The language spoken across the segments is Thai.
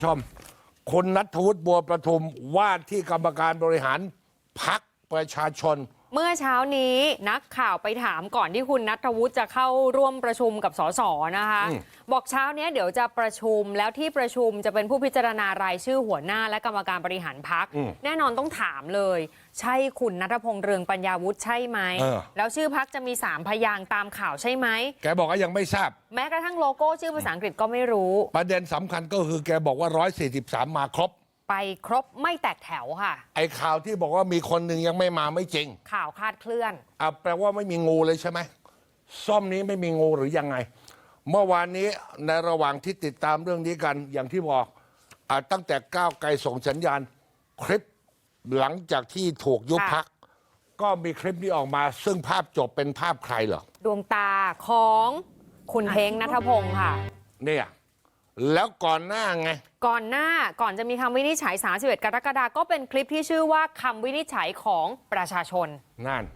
ชมคุณณัฐวุฒิบัวประทุมว่าที่กรรมการบริหารพรรคประชาชนเมื่อเช้านี้นักข่าวไปถามก่อนที่คุณณัฐวุฒิจะเข้าร่วมประชุมกับสสนะคะบอกเช้านี้เดี๋ยวจะประชุมแล้วที่ประชุมจะเป็นผู้พิจารณารายชื่อหัวหน้าและกรรมการบริหารพรรคแน่นอนต้องถามเลยใช่คุณณัฐพงษ์เรืองปัญญาวุฒิใช่ไหมแล้วชื่อพรรคจะมี3 พยางค์ตามข่าวใช่ไหมแกบอกว่ายังไม่ทราบแม้กระทั่งโลโก้ชื่อภาษาอังกฤษก็ไม่รู้ประเด็นสำคัญก็คือแกบอกว่า143มาครบไปครบไม่แตกแถวค่ะไอ้ข่าวที่บอกว่ามีคนหนึ่งยังไม่มาไม่จริงข่าวคลาดเคลื่อนแปลว่าไม่มีงูเลยใช่ไหมซ่อมนี้ไม่มีงูหรือยังไงเมื่อวานนี้ในระหว่างที่ติดตามเรื่องนี้กันอย่างที่บอกตั้งแต่ก้าวไกลส่งสัญญาณคลิปหลังจากที่ถูกยุบพรรคก็มีคลิปนี้ออกมาซึ่งภาพจบเป็นภาพใครเหรอดวงตาของคุณเท้งณัฐพงษ์ค่ะเนี่ยแล้วก่อนหน้าไงก่อนจะมีคำวินิจฉัย31 กรกฎาคมก็เป็นคลิปที่ชื่อว่าคำวินิจฉัยของประชาชนนั่น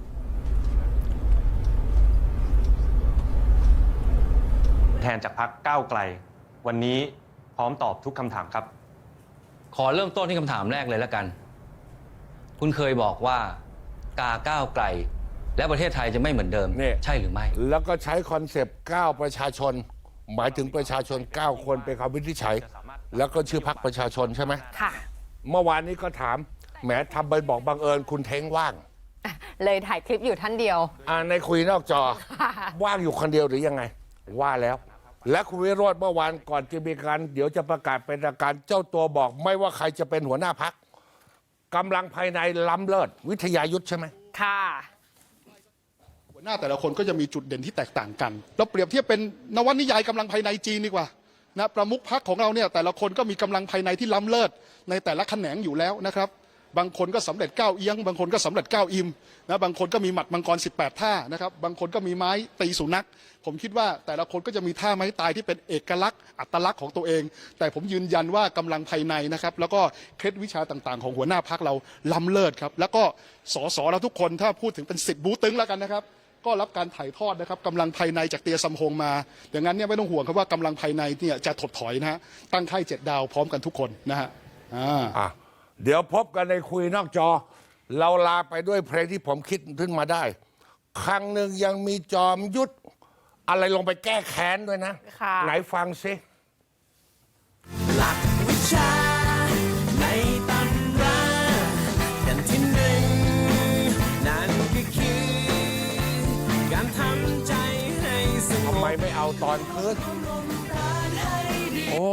แทนจากพรรคก้าวไกลวันนี้พร้อมตอบทุกคำถามครับขอเริ่มต้นที่คำถามแรกเลยแล้วกันคุณเคยบอกว่ากาก้าวไกลและประเทศไทยจะไม่เหมือนเดิมใช่หรือไม่แล้วก็ใช้คอนเซปต์9ประชาชนหมายถึงประชาชน9 คนเป็นคำวินิจฉัยแล้วก็ชื่อพรรคประชาชนใช่ไหมค่ะเมื่อวานนี้ก็ถามแหมทำไปบอกบังเอิญคุณเท้งว่างเลยถ่ายคลิปอยู่ท่านเดียวในคุยนอกจอว่างอยู่คนเดียวหรือยังไงว่าแล้วและคุณวิโรจน์เมื่อวานก่อนจะมีการเดี๋ยวจะประกาศเป็นทางการเจ้าตัวบอกไม่ว่าใครจะเป็นหัวหน้าพรรคกำลังภายในล้ำเลิศวิทยายุทธใช่ไหมค่ะหัวหน้าแต่ละคนก็จะมีจุดเด่นที่แตกต่างกันเราเปรียบเทียบเป็นนวนิยายกำลังภายในจีนดีกว่านะประมุขพรรคของเราเนี่ยแต่ละคนก็มีกำลังภายในที่ล้ำเลิศในแต่ละแขนงอยู่แล้วนะครับบางคนก็สำเร็จ9 เอียงบางคนก็สำเร็จ9 อิมนะบางคนก็มีหมัดมังกร18 ท่านะครับบางคนก็มีไม้ตีสุนัขผมคิดว่าแต่ละคนก็จะมีท่าไม้ตายที่เป็นเอกลักษณ์อัตลักษณ์ของตัวเองแต่ผมยืนยันว่ากำลังภายในนะครับแล้วก็เคล็ดวิชาต่างๆของหัวหน้าพรรคเราล้ำเลิศครับแล้วก็สสเราทุกคนถ้าพูดถึงเป็น10 บูตึงแล้วกันนะครับก็รับการถ่ายทอดนะครับกำลังภายในจากเตียซัมฮงมาอย่างนั้นเนี่ยไม่ต้องห่วงครับว่ากำลังภายในเนี่ยจะถดถอยนะฮะตั้งค่าย7 ดาวพร้อมกันทุกคนนะฮะเดี๋ยวพบกันในคุยนอกจอเราลาไปด้วยเพลงที่ผมคิดขึ้นมาได้ครั้งหนึ่งยังมีจอมยุทธอะไรลงไปแก้แค้นด้วยนะไหนฟังซิหลักวิชาในตำราแผ่นที่1นั่นก็คือการทำใจให้สงบทำไมไม่เอาตอนคืนโอ้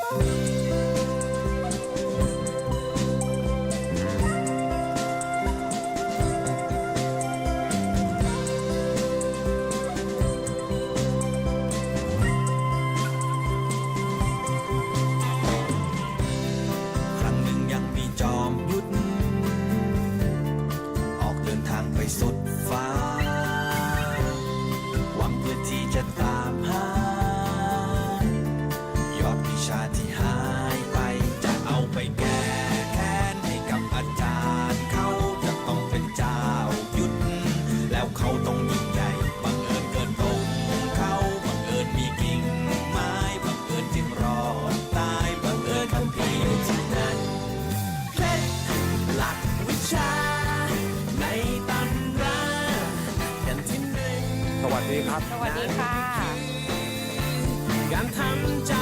สุดฟ้าหวังเพื่อที่จะตามหายอดวิชาที่หายไปจะเอาไปแก้แค้นให้กับอาจารย์เขาจะต้องเป็นเจ้ายุทธแล้วเขาต้องยิ่งใหญ่บังเอิญเกิดตรงเขาบังเอิญมีกิ่งไม้บังเอิญจึงรอดตายบังเอิญคัมภีร์อยู่ที่นั่นเคล็ดหลักวิชาสวัสดีครับสวัสดีค่ะการทำใจ